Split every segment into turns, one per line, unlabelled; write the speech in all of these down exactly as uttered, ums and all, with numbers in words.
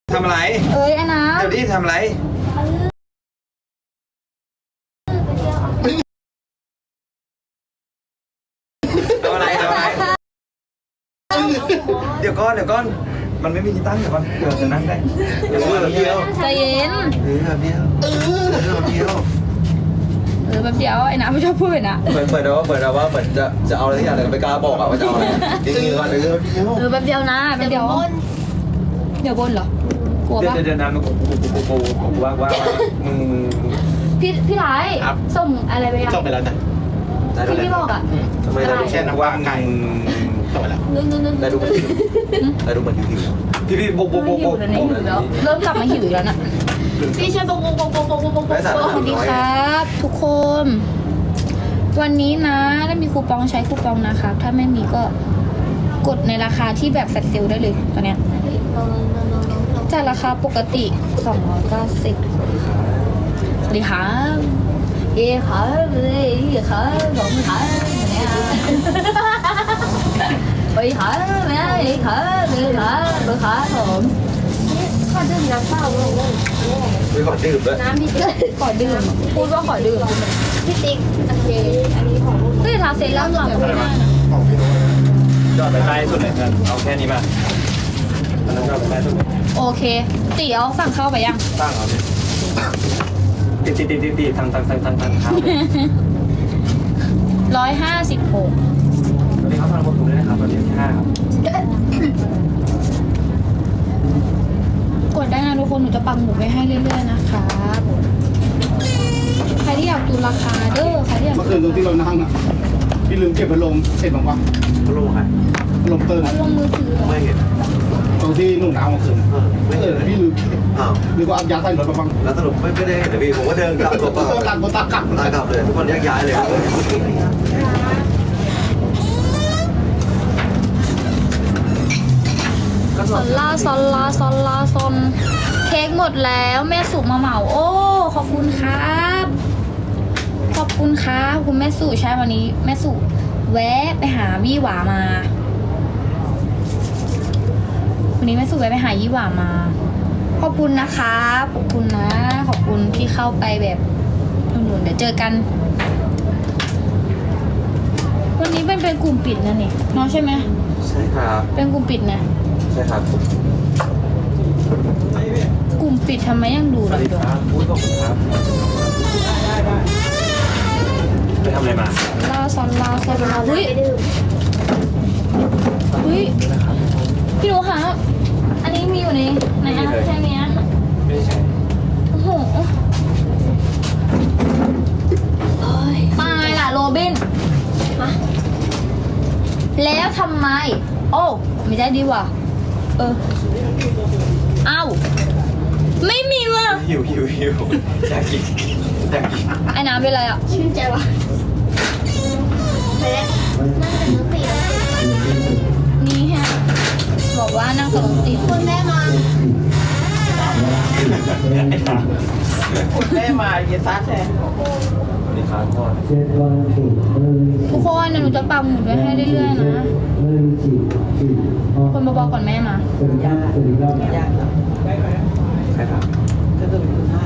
ทำอะไร
เอ้ยไอ้น้ำ
เดี๋ยวนี้ทำอะไรทำอะไรทำอะไรเดี๋ยวก่อนเดี๋ยวก่อนมันไม่มีที่ตั้งเดี๋ยวก่อนเดี๋ยวจะนั่งได้เดี๋ยวแบบเดียว
ใจเย็น
เออแบบเดียวเออแบบเดียว
เออแบบเดียวไอ้น้ำไม่ชอบพูดเลยนะ
เปิดเปิดแล้วว่าเปิดแล้วว่าเหมือนจะจะเอาอะไรที่อย่างแต่ไม่กล้าบอกอะว่าจะเอาอะไรจริงๆก่อนเออแบบเดียว
เออแบบเดียวนะแบบเดียวเดี๋ยวบนเหรอกลัว
เดี๋ยว
ปะ
เดี๋ยวน้ำมันกูกูกูกูกูว่าว่ามึง
พี่พี่ไทยส่งอะไรไปยัง
ส่งไปแล้วจ้ะ
ที่พี่บอกอ่ะ
ทำไมได้แค่นักว่าไง
ส่งไปแล้ว
นึงนึงนึง
ได้ดูมันได้ดูมันหิวพี่พี่โบกโบกโบกโบก
เริ่มกลับมาหิวอีกแล้วน่ะพี่ช่วยโบกโบกโบกโบกโบกโบกโบกสวัสดีครับทุกคนวันนี้นะถ้ามีคูปองใช้คูปองนะครับถ้าไม่มีก็กดในราคาที่แบบแฟลชเซลได้เลยตอนเนี้ยจากราคาปกติสองร้อยเก้าสิบสวัสดีครับเย้ครับเลยเย้ครับขอบคุณครับเนี่ยไปครับแม่เย้ครับเลยครับเบอร์ครับผมขอดื่มน้ำเปล่าเลย
ไม่ขอดื่มด้วย
น้ำพี่ติ๊กขอดื่มพูดว่าขอดื่มพี่ติ๊กโอเคอันนี้ของเฮ้ยทาเซรั่มหลังก็ไม่ได้นะ
ยอดไปใต้สุดเลยกันเอาแค่นี้มาอันนั้นยอดไปใต้สุด
โอเคตีเอาสั่งเข้าไปยัง
ตั้งเอาดิตีตีตีตีตีทางทางทางทางทางเท้า
ร้อยห้าสิบหก
สวัสดีครับทางผมถูกด้วยนะครับสวัสดีที่ห้าครับ
กดได้นะทุกคนหนูจะปังหมุดไว้ให้เรื่อยๆนะครับใครที่อยากดูราคาเด้อใครที่อยาก
เมื่อคืนตรงที่เรานั่งอ่ะพี่ลืมเก็บพัดลมเสร็จบ้างวะ
เขาลงใคร
พัดลมเติม
ลงมือถือ
ไม่เห็น
ตรงที่หนุ่มน้ำเมื่อคืน
เออไม่
เอ
เห็น
อพี่ลืม
อ้าว
หรือว่าเอายาใส่รถมาบ้าง
แล้วสรุปไม่ไม่ได้เห็นเลยพี่ผมก็เดินกลับตัวเปล่า
ตัวตักตัวตักกลับ
ตายกลับเลยทุกคนแยกย้ายเลย
ซอลลาซอลลาซอลลาซอนเค้กหมดแล้วแม่สุมาเหมาโอ้ขอบคุณครับขอบคุณครับคุณแม่สุใช่วันนี้แม่สุแวะไปหาวี่หวามาวันนี้แม่สุแวะไปหายี่หวามา ขอบคุณนะคะขอบคุณนะขอบคุณที่เข้าไปแบบหนุนๆเดี๋ยวเจอกัน วันนี้เป็นเป็นกลุ่มปิดนะนี่น้องใช่ไหม
ใช่ครับ
เป็นกลุ่มปิดนะ
ใช่ครับ
กลุ่มปิดทำไมยังดู
ส
เรา
วัสดี
อยู่
ครับพูดขอบคุณครับไปทำอะไรมา
ลาซอนลาซอนลาเฮ้ยเฮ้ยพี่หนูคะอันนี้มีอยู่ในในแอปใช่ไหมอะ
ไม่ใช่
โอ้โหตายล่ะโรบินมาแล้วทำไม โอ้ไม่ได้ดีว่ะเออเอ้าไม่มีว่ะ
หิวหิวหิวอยากกินอยากกิน
ไอ้น้ำเป็นไรอ่ะชื่นใจว่ะนี่ฮะบอกว่านั่งกับรถติดคุณแม่มา
คุณแม่มาเยซัสแทน
สวัสดีครับพ่อ
ทุกคนเดี๋ยวหนูจะปักหมุดไว้ให้เรื่อยๆนะคนมาบอกก่อนแม่มา
อยาก
ใครถาม
ก็คือเป็นคุณห้า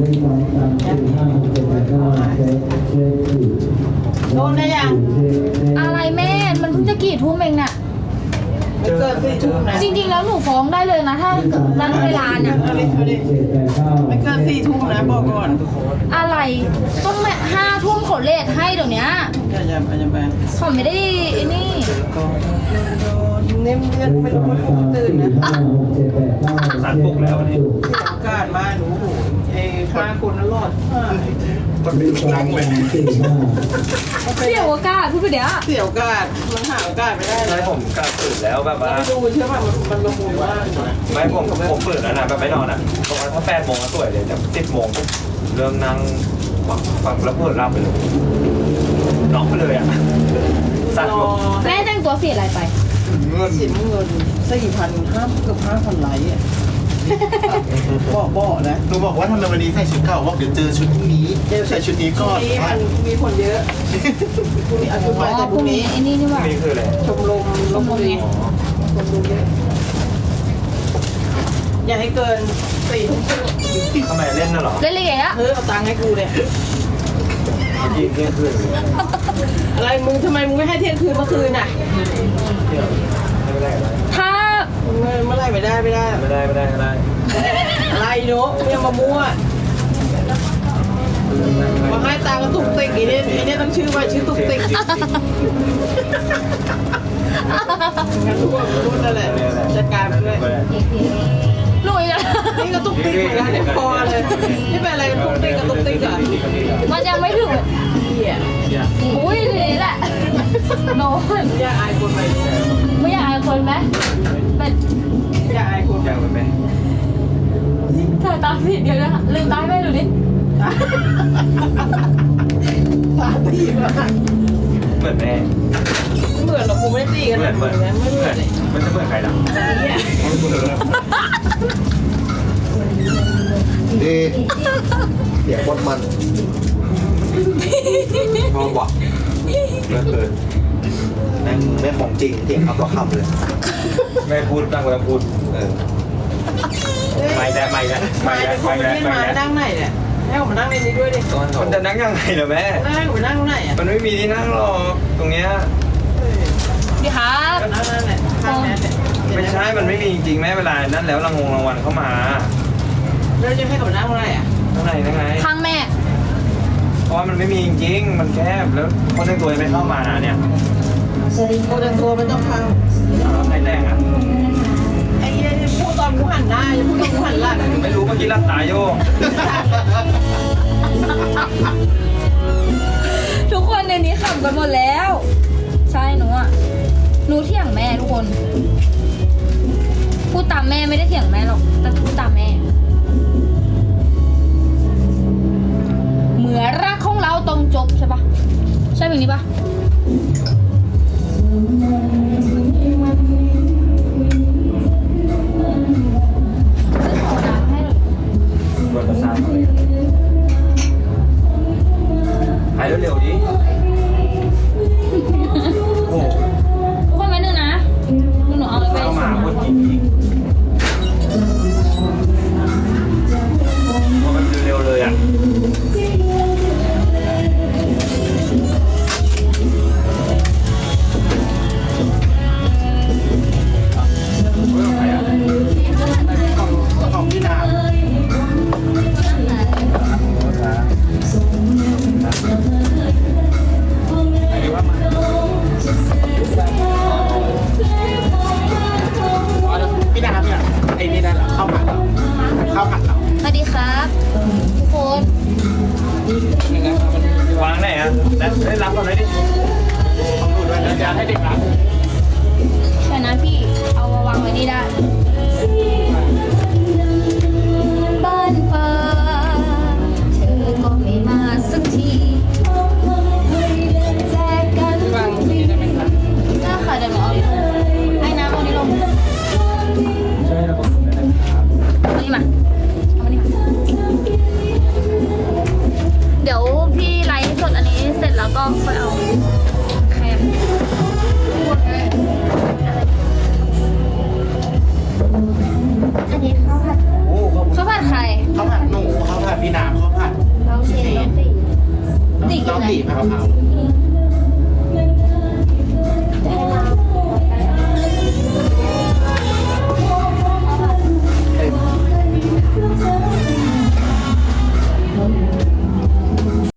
โดนได้ยัง
อะไรแม่มันเพิ่งจะกี่ทุ่มเองน่ะ
ไม่เกินสี่ทุ่มนะ
จริงๆแล้วหนูฟ้องได้เลยนะถ้านัดเวลาเนี่ย
เอาดิเอาดิไม่เกินสี่ทุ่มนะบอกก่อน
อะไรต้องแบบห้าทุ่มเขาเลทให้เดี๋ยวนี้
อย่าอย่าอย่าไป
เขาไม่ได้ไอ้นี่
เน้มเรียกไม่รู้ว่าผมตื่นนะ
สารปลุกแล้ววันนี้
เสียโอกาสมาหนูเอ้ฆ่าคนนั้นรอด
คนเป็นนังเลย
เสี่ยวโอกาสพูดไปเดี๋ยว
เสียโอกาสมันหาโอกาสไม่ได้
ใช่
แล้ว
ผมกลับตื่นแล้วแบบว่า
ไปดูใช่ป่ะมันมันละมุนมาก
ไม่ผมผมตื่นแล้วนะแบบไม่นอนอ่ะตรงนั้นถ้าแปดโมงก็สวยเลยแต่สิบโมงเริ่มนั่งฟังฟังแล้วเปิดรับไปเลยน็อกไปเลยอ่ะสั่น
รอ
แม่แต่งตัวสีอะไรไป
เงิน
สินเงินสี่พันห้าเกือบห้าพันไลค์อ่ะบอกบอกนะ
หนูบอกว่าทำไมวันนี้ใส่ชุดเก่าบอกเดี๋ยวเจอชุดพรุ่งนี้ใส่ชุดนี้ก่อน
นี้มันมีคนเยอะพรุ่งนี้อาชุดใหม่แต่พรุ่งนี้
ไอ้นี่นี่หว่า
นี่คืออะไร
ชมรมลพบุรี
อ๋อ
คนดูเยอะอย่าให้เกินสี่ทุ่มครึ่ง
ทำไมเล่นน่ะเหรอ
เล่นเลยอะ
เออเอาตังค์ให้กูเนี่ย
เมื่อกี้เที่ยงคืนเลย
อะไรมึงทำไมมึงไม่ให้เที่ยงคืนเมื่อคืนน่ะ
เที่ยงไม่ได้อะไร
ถ้า
เมื่อเมื่อไหรไม่ได้ไม่ได้
ไม่ได้ไม่ได้ไม่ได้
อะไรเนาะไม่เอามามั่วมาให้ตังค์ก็ตุกติกไอ้เนี่ยไอ้เนี่ยต้องชื่อว่าชื่อตุกติกงั้นทุกคนพูดนั่นแหละจัดการไปด้วย
หลุยอะ
นี่ก็ตุกติกเหมือนกันเนี่ยพอเลยนี่เป็นอะไรกันตุกติกกับตุกติกอ่ะ
มันยังไม่ถึง
เหี้ย
อุ้ยทีนี้แหละโน้น
อย่าอายคนไป
ไม่อยากอายคนไหมเป็น
อย่าอายคน
ยังไหม
เธอตาผิดเดียวนะลืมตาให้แม่ดูดิ
ตาตีมาก
เหมือนแม่
เหมือนหรอกกูไม่ได้ตีกัน
เหมือนเหมือน
นะไม่เหมือนเลย
มันจะเหมือนใครล่ะ
เนี่ย
ดีเสียงบนมัน
ชอบว่ะ
เมื่อคืนแม่งไม่ของจริงเสียงคำต่อคำเลย
แม่พูดตั้งเวลาพูด
เออ
ไม่ได้ไม่ได้
มา
ไม่ได้
เป็นคน
ไม่
ไม่
ได้
ได้
ไม่
มา
ได้
นั่งไหนเนี่ยให้ผมมานั่งในนี้ด้วยดิ
มันจะนั่งยังไงเหรอแม่
นั่งผมนั่งไหนอ่ะ
มันไม่มีที่นั่งหรอกตรงเนี้ย
ดีครับ
ก็นั่งนั่นแหละข้างนั้นเนี่ย
ไม่ใช่ มันไม่มีจริงๆแม่เวลานั่นแล้วรางวงรางวัลเข้ามา
แล้วจะให้ผมนั่งอะไรอ่ะ
ข้างในนั่งไง
ข้างแม่
เพราะว่ามันไม่มีจริงๆมันแคบแล้วคนในตัวยังไม่เข้ามาเนี่ย
โคตรตัวมันต้องพัง
เอาใครแต่งอ่ะ
ไอ้เนี่ยพูดตอนกูหันหน้าจะพูดตอนกูหันหลัง
ไม่รู้เมื่อกี้รับตาโยก
ทุกคนในนี้ขำกันหมดแล้ว ใช่หนูอ่ะหนูเถียงแม่ทุกคนพูดตามแม่ไม่ได้เถียงแม่หรอกแต่พูดตามแม่เหมือนรักของเราต้องจบใช่ปะใช่แบบนี้ปะขอน้ำให้หน่อย
บนประสาทเลยหายเร็วๆดิโอ้
ทุกคนไว้หนึ่งนะหนูเอาไป
เข้ามาพูดจริงๆมันเร็วเลยอ่ะใครอ่ะ
ของพี่นา พี่นาเนี่ยไอ้นี่นั่นเหรอข้าวผัดเหรอข้าวผัดเหรอ
สวัสดีครับทุกคน
วางไหนอ่ะแล้วได้รับก่อนเลยดิ
ต้องดูด้วยนะจะให้เด็กรับ
เดี๋ยวนะพี่เอามาวางไว้นี่ได้บ้านป่าเธอก็ไม่มาสักทีแจกกันวางนี่ได้ไหมคะได้ค่ะเดี๋ยวหนูเอานี่ลงไอ้น้ำเอานี่ลง
ใช่ระบบนะครับ
เอานี่มาเอามานี่มาเดี๋ยวพี่ไลฟ์สดอันนี้เสร็จแล้วก็ค่อยเอาแคมอันนี้ข้าวผัด
โอ้ข้าว
ข้าวผัดใคร
ข้าวผัดหนูข้าวผัดพี่นาข้าวผัด
เราเชนเราตีตี
น้
กิ
อน ง
ไหน
ตีผัดกะเพรา